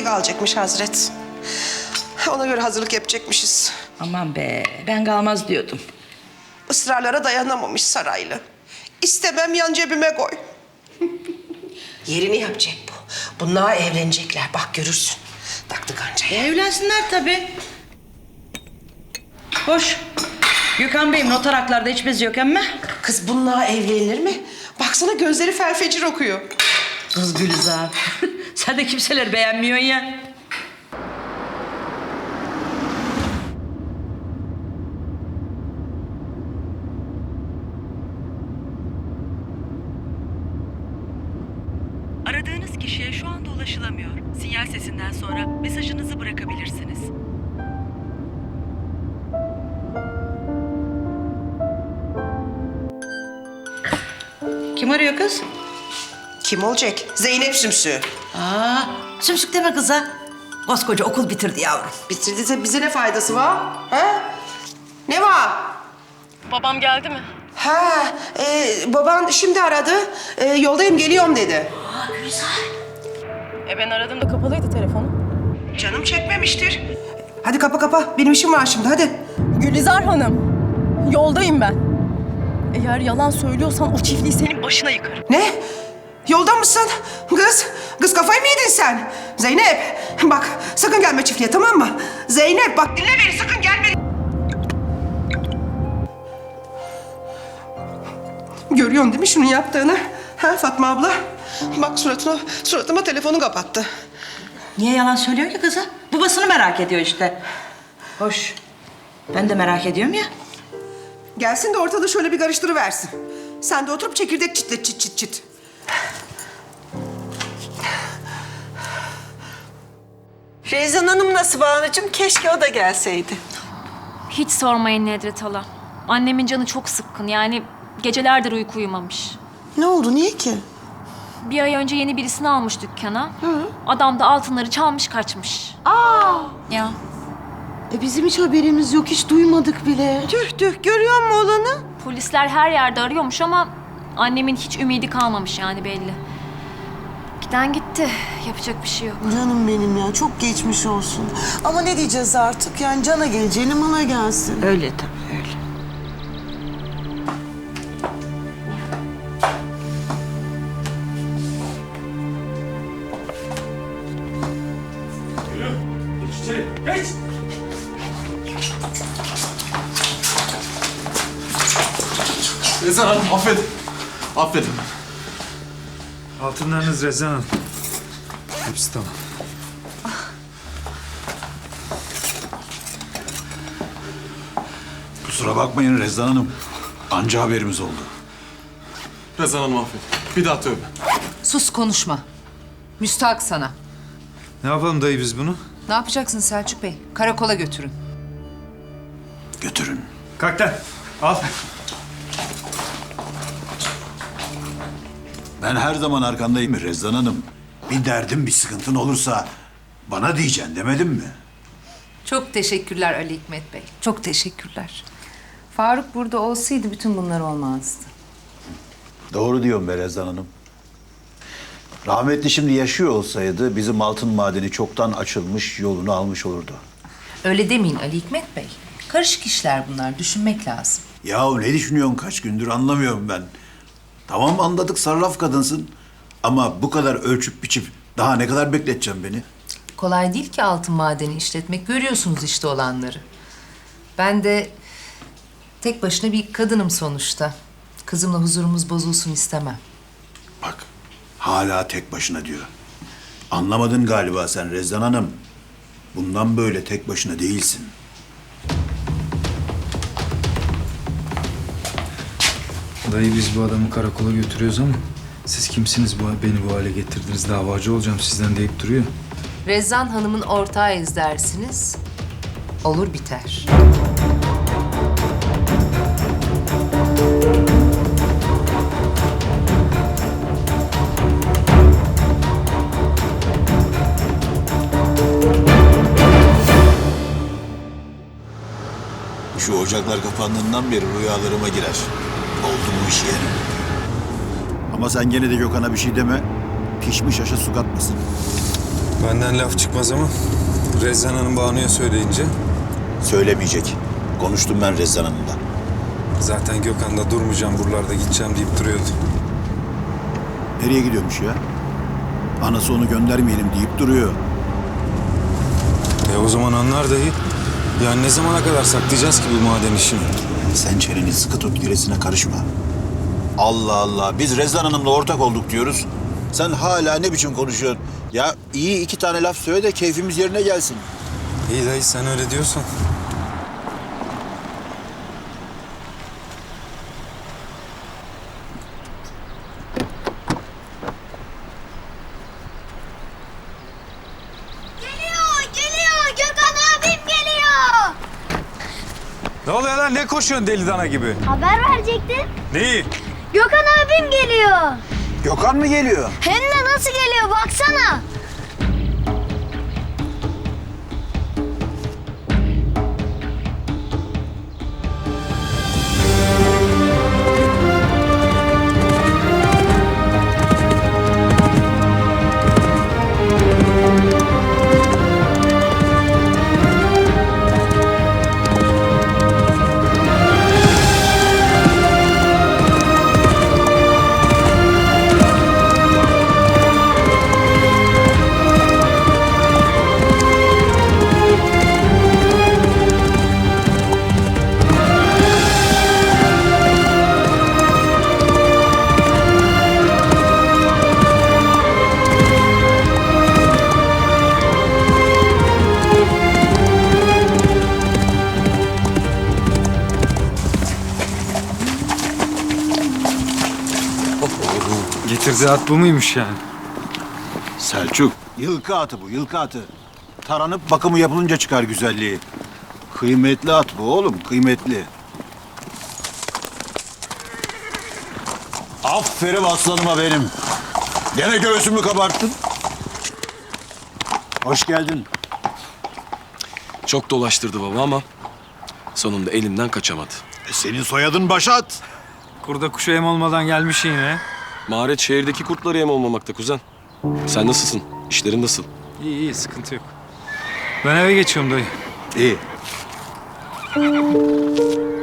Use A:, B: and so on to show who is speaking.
A: kalacakmış Hazret. Ona göre hazırlık yapacakmışız.
B: Aman be, ben kalmaz diyordum.
A: Israrlara dayanamamış saraylı. İstemem yan cebime koy. Yerini yapacak bu. Bunlar evlenecekler, bak görürsün. Taktı kancayı.
B: Evlensinler tabii. Hoş. Gökhan Bey'im noter haklarda hiç bez yok emme.
A: Kız bunlar evlenilir mi? Baksana gözleri felfecir okuyor.
B: Kız Gülizar. Sen de kimseler beğenmiyorsun ya.
C: Aradığınız kişiye şu anda ulaşılamıyor. Sinyal sesinden sonra mesajınızı bırakabilirsiniz.
B: Kim arıyor kız?
A: Kim olacak? Zeynep Sümsü.
B: Aa, sümsük deme kıza. Koskoca okul bitirdi yavrum.
A: Bitirdiyse bize ne faydası var? Ha? Ne var?
C: Babam geldi mi?
A: Ha, baban şimdi aradı. Yoldayım, geliyorum dedi.
C: Ben aradığımda kapalıydı telefonu.
A: Canım çekmemiştir. Hadi kapa. Benim işim var şimdi, hadi.
D: Gülizar Hanım, yoldayım ben. Eğer yalan söylüyorsan o çiftliği senin başına yıkarım.
A: Ne? Yolda mısın? Kız kafayı mı yedin sen? Zeynep, bak sakın gelme çiftliğe, tamam mı? Zeynep, bak dinle beni, sakın gelme. Görüyorsun değil mi şunun yaptığını? Ha Fatma abla? Bak suratıma telefonu kapattı.
B: Niye yalan söylüyor ki kıza? Babasını merak ediyor işte. Hoş. Ben de merak ediyorum ya.
A: Gelsin de ortalığı şöyle bir karıştırıversin. Sen de oturup çekirdek çitle çıt.
E: Rezan Hanım nasıl Banu'cum? Keşke o da gelseydi.
F: Hiç sormayın Nedret hala. Annemin canı çok sıkkın, yani gecelerdir uyku uyumamış.
E: Ne oldu? Niye ki?
F: Bir ay önce yeni birisini almış dükkana. Adam da altınları çalmış kaçmış. Ya
E: Bizim hiç haberimiz yok. Hiç duymadık bile. Tüh. Görüyor musun olanı?
F: polisler her yerde arıyormuş ama annemin hiç ümidi kalmamış yani belli. Giden gitti. Yapacak bir şey yok.
E: Canım benim ya. Çok geçmiş olsun. Ama ne diyeceğiz artık? Yani cana geleceğine mala gelsin.
B: Öyle tabii öyle.
G: Rezan Hanım affedin. Affedin.
H: Altınlarınız Rezan Hanım. Hepsi tamam.
G: Kusura bakmayın Rezan Hanım. Anca haberimiz oldu.
I: Rezan Hanım affedin. Bir daha tövbe.
J: Sus konuşma. Müstahak sana.
H: Ne yapalım dayı biz bunu?
J: Ne yapacaksın Selçuk Bey? Karakola götürün.
G: Götürün.
H: Kalk lan. Al.
G: Ben her zaman arkandayım Rezan Hanım. Bir derdin, bir sıkıntın olursa bana diyeceksin demedim mi?
J: Çok teşekkürler Ali Hikmet Bey. Çok teşekkürler. Faruk burada olsaydı bütün bunlar olmazdı.
G: Doğru diyorum be Rezan Hanım. Rahmetli şimdi yaşıyor olsaydı bizim altın madeni çoktan açılmış, yolunu almış olurdu.
J: Öyle demeyin Ali Hikmet Bey. Karışık işler bunlar. Düşünmek lazım.
G: Yahu ne düşünüyorsun kaç gündür anlamıyorum ben. Tamam anladık sarraf kadınsın. Ama bu kadar ölçüp biçip daha ne kadar bekleteceğim beni?
J: Kolay değil ki altın madeni işletmek. Görüyorsunuz işte olanları. Ben de tek başına bir kadınım sonuçta. Kızımla huzurumuz bozulsun istemem.
G: Bak hala tek başına diyor. Anlamadın galiba sen Rezan Hanım. Bundan böyle tek başına değilsin.
H: Dayı biz bu adamı karakola götürüyoruz ama siz kimsiniz beni bu hale getirdiniz? Davacı olacağım sizden deyip duruyor.
J: Rezzan Hanım'ın ortağıyız dersiniz. Olur biter.
G: Şu ocaklar kapandığından beri rüyalarıma girer. Oldu bu iş yani. Ama sen gene de Gökhan'a bir şey deme. Pişmiş aşa su katmasın.
H: Benden laf çıkmaz ama Rezan Hanım Banu'ya söyleyince
G: Söylemeyecek. Konuştum ben Rezzan Hanım'la.
H: zaten Gökhan da durmayacağım buralarda gideceğim deyip duruyordu.
G: Nereye gidiyormuş ya? Anası onu göndermeyelim deyip duruyor.
H: O zaman anlar dayı. Yani ne zamana kadar saklayacağız ki bu maden işini?
G: Sen çeneni sıkı tut, gerisine karışma. Allah Allah, biz Rezzan Hanım'la ortak olduk diyoruz. Sen hala ne biçim konuşuyorsun? Ya iyi 2 tane laf söyle de keyfimiz yerine gelsin.
H: İyi dayı sen öyle diyorsan.
K: Geliyor. Gökhan abim geliyor.
H: Ne oluyor lan? Ne koşuyorsun deli dana gibi?
K: Haber verecektin.
H: Neyi?
K: Gökhan abim geliyor.
G: Gökhan mı geliyor?
K: Hem de nasıl geliyor baksana.
H: Getirdiği at bu muymuş yani?
G: Selçuk. Yılkı atı bu, yılkı atı. Taranıp bakımı yapılınca çıkar güzelliği. Kıymetli at bu oğlum, kıymetli. Aferin aslanıma benim. Gene göğsümü kabarttın. Hoş geldin.
I: Çok dolaştırdı baba ama sonunda elimden kaçamadı.
G: Senin soyadın Başat.
H: Kurda kuşa yem olmadan gelmiş yine.
I: Maharet şehirdeki kurtlara yem olmamakta kuzen. Sen nasılsın? İşlerin nasıl?
H: İyi sıkıntı yok. Ben eve geçiyorum dayı.
G: İyi.